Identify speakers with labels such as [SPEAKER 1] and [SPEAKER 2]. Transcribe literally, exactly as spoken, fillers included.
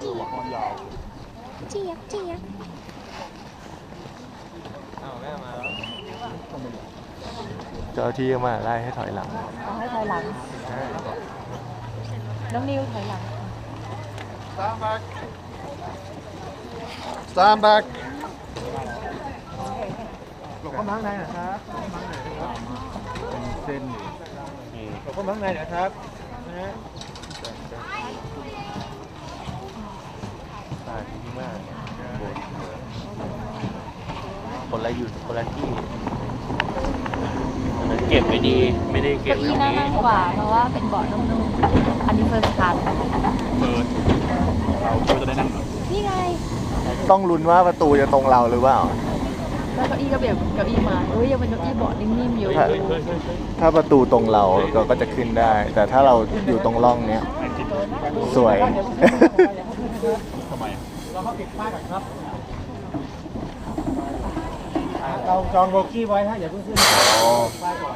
[SPEAKER 1] เจี๊ยบเจี๊ยบเจี๊ยบ
[SPEAKER 2] อ้าวแม่มาแล้ว
[SPEAKER 3] เจ้าที่มาไล่ให้ถอยหลัง
[SPEAKER 1] เอาให้ถอยหลัง
[SPEAKER 3] ใช่
[SPEAKER 1] น้องนิวถอยหลัง
[SPEAKER 4] Stand back Stand back
[SPEAKER 2] หลบเข้ามาข้างในนะครับเป็นเส้นหลบเข้ามาข้างในนะครับนะฮะ
[SPEAKER 3] ตาดีมากคนละอยู่คนละที่อันนั้นเก็บไม่ดีไม่ได้เก็บ
[SPEAKER 1] เก้า
[SPEAKER 3] ตร
[SPEAKER 1] อี้
[SPEAKER 3] ง
[SPEAKER 1] น่า
[SPEAKER 3] นี้
[SPEAKER 1] นั่งกว่าเพราะว่าเป็นเบาะนุ่มๆอันนี้เฟิร์สคลาส
[SPEAKER 4] เปิดเราก็จะได้นั่ง
[SPEAKER 1] นี่ไง
[SPEAKER 3] ต้องลุ้นว่าประตูจะตรงเราหรือเปล่า
[SPEAKER 1] แล้วเก้าอี้ก็แบบเก้าอี้มาเอ้ยยังเป็นเก้าอี้เบาะนิ่มๆอยู่
[SPEAKER 3] ถ้าถ้าประตูตรงเราเราก็จะขึ้นได้ แต่ถ้าเราอยู่ตรงร่องเนี้ยสวย
[SPEAKER 4] ทำไม
[SPEAKER 2] เราเข้าติดป้ายก่อนครับเราจองโบกี้ไว้ฮะอย่าเพิ่งขึ้นป้ายก่อน